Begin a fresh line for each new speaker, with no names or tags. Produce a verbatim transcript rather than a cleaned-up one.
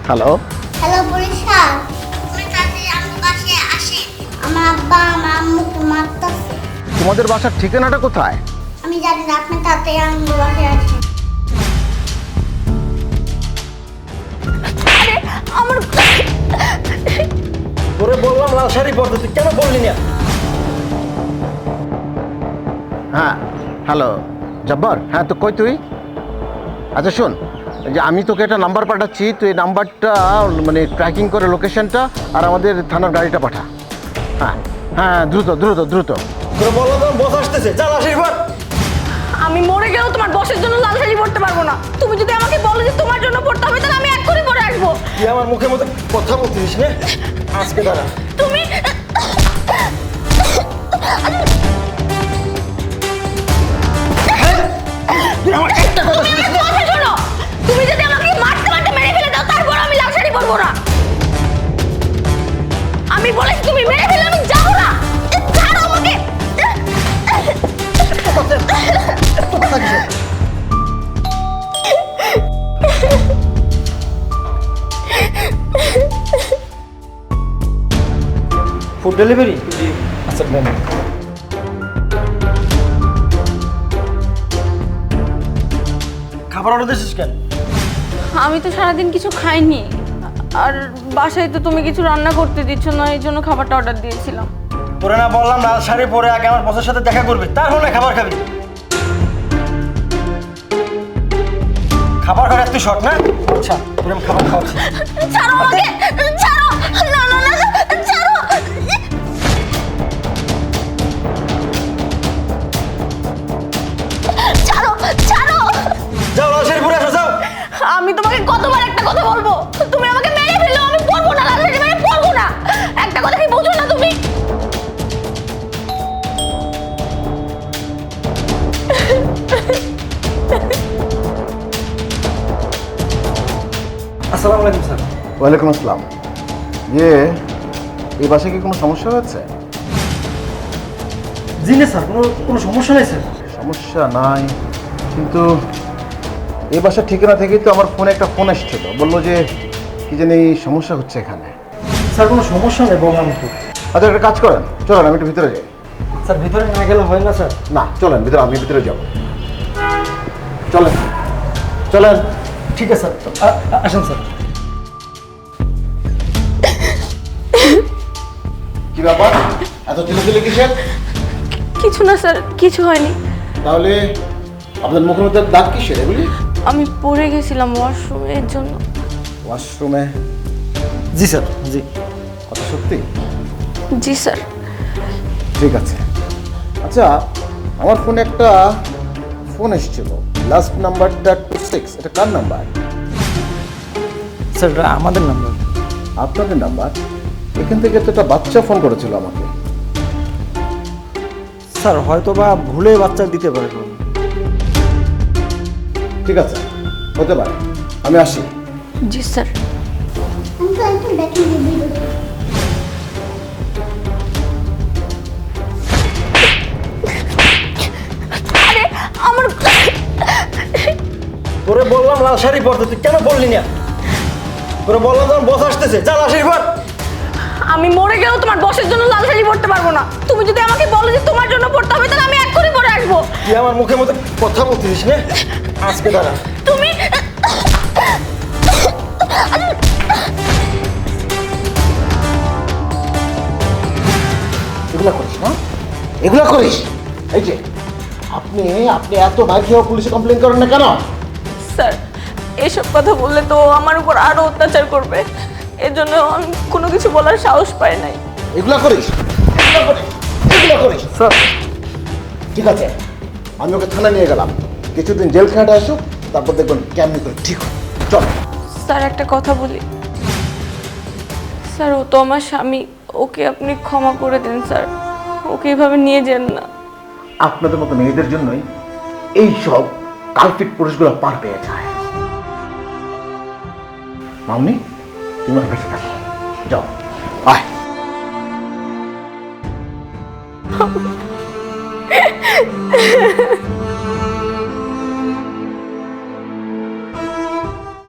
Hello
hello police sir, তুমি তাড়াতাড়ি আমার বাসায় আসেন। আমার আব্বা আমার আম্মুকে মারতেছে।
তোমাদের বাসার ঠিকানাটা কোথায়?
আমি জানি না, আপনি তাড়াতাড়ি আমার বাসায় আসেন।
আরে আমার
তোরে বললাম লাল শাড়ি পরতে, তুই কেন বললি না?
হ্যাঁ হ্যালো জব্বর, হ্যাঁ তো কই তুই? আচ্ছা শোন, যে আমি তোকে একটা নাম্বার পাঠাচ্ছি, তুই এই নাম্বারটা মানে ট্র্যাকিং করে লোকেশনটা আর আমাদের থানার গাড়িটা পাঠা। হ্যাঁ হ্যাঁ দ্রুত দ্রুত দ্রুত।
তোরে বললাম তোমার বস আসতেছে, যা লাল শাড়ি পর।
আমি মরে গেলেও তোমার বসের জন্য লাল শাড়ি পরতে পারবো না। তুমি যদি আমাকে বলো যে তোমার জন্য পড়তে হবে, তাহলে আমি এক্ষুনি পরে আসবো।
তুই আমার মুখের মধ্যে কথা বলছিস না? আজকে দাঁড়া।
তুমি
তুই আমার একটা কথা
তুমি আমার কথা শোনো। তুমি যদি আমাকে মারতে মারতে মেরে ফেলে দাও, তারপর আমি লাল শাড়ি পরবো না। আমি বলেছি তুমি মেরে ফেলে আমি যাবো না। ছাড়ো আমাকে।
Food delivery? আচ্ছা ম্যাম। খাবার অর্ডার দিয়েছিস কেন?
আমি তো সারাদিন কিছু খাইনি, আর বাসায় তো তুমি কিছু রান্না করতে দিচ্ছ না, এই জন্য খাবারটা অর্ডার দিয়েছিলাম।
তোরে না বললাম লাল শাড়ি পরে আগে আমার বসের সাথে দেখা করবি, তারপর না খাবার খাবি। খাবার খাওয়ার তুই শর্ট না? আচ্ছা তোর আমি খাবার খাওয়াচ্ছি।
ছাড়ো আমাকে, ছাড়ো। না না না, ছাড়ো। ছাড়ো ছাড়ো।
যাও লাল শাড়ি পরে আসো, যাও।
আমি তোমাকে কতবার একটা কথা বলবো, তুমি আমাকে মেরে ফেলো, আমি পড়বো না, লাল শাড়ি মানে পড়বো না। একটা কথা কি বুঝো না তুমি?
আসসালামু আলাইকুম স্যার।
ওয়ালাইকুম আসসালাম। ইয়ে এই বাসায় কি কোনো সমস্যা হয়েছে?
জি না স্যার, কোনো কোনো সমস্যা নেই স্যার।
সমস্যা নাই, কিন্তু এই বাসার ঠিকানা থেকেই তো আমার ফোনে একটা ফোন এসেছিল, বললো যে কি জানি সমস্যা হচ্ছে এখানে।
স্যার কোনো সমস্যা নেই বললাম তো।
আচ্ছা একটা কাজ করেন, চলেন আমি একটু ভিতরে যাই।
স্যার ভিতরে না গেলে হয় না স্যার?
না চলেন ভিতরে, আমি ভিতরে যাব। চলেন চলেন।
ঠিক আছে স্যার, আ- আ- আসেন স্যার।
কি ব্যাপার, এত চিল্লাচিল্লি কিসের?
কিছু না স্যার, কিছু হয়নি।
তাহলে আপনার মুখের মধ্যে দাগ কিসের এগুলি?
আমি পড়ে গেছিলাম ওয়াশরুমে, এর জন্য।
ওয়াশরুমে?
জি স্যার, জি।
কথা সত্যি?
জি স্যার।
ঠিক আছে। আচ্ছা আমার ফোনে একটা ফোন এসেছিল, লাস্ট নাম্বারটা টু সিক্স, এটা কার নাম্বার?
স্যার এটা আমাদের নাম্বার।
আপনাদের নাম্বার? এখান থেকে তো একটা বাচ্চা ফোন করেছিল আমাকে।
স্যার হয়তো বা ভুলে বাচ্চা দিতে পারে।
ঠিক আছে, হতে পারে, আমি আসি।
জি স্যার।
আমি তো একটু দেখে দিবি।
আরে আমার
তোরে বললাম লাল শাড়ি পরতে, তুই কেন বললি না? তোরে বললাম তোমার বস আসতেছে, যা লাল শাড়ি পর।
আমি মরে গেলেও তোমার বসের জন্য লাল শাড়ি পরতে পারবো না। তুমি যদি আমাকে বলো যে তোমার জন্য পড়তে হবে, তাহলে আমি এক্ষুনি পরে আসবো।
তুই আমার মুখের মধ্যে কথা বলছিস না? আজকে দাঁড়া।
তুমি
এগুলা করিস না, এগুলা করিস? এই যে আপনি আপনি এত মাইক খেয়ে পুলিশে কমপ্লেন করেন না কেন?
স্যার, এসব কথা বললে তো আমার উপর আরো অত্যাচার করবে, এর জন্য আমি কোনো কিছু বলার সাহস পাই নাই।
এগুলা করিস, এগুলা করিস, এগুলা করিস?
স্যার
ঠিক আছে, আমি ওকে থানায় নিয়ে গেলাম, কিছুদিন জেল খাটে আসুক, তারপর দেখবেন কেমনি করে ঠিক হয়। চল।
স্যার একটা কথা বলি। স্যার ও তো আমার স্বামী, ওকে আপনি ক্ষমা করে দেন স্যার, ওকে এভাবে নিয়ে যান না।
আপনাদের মতো মেয়েদের জন্যই এই সব কালপিট পুরুষগুলো পার পেয়ে যায়। মামনি তুমি আমার কাছে থাকো, যাও আয়।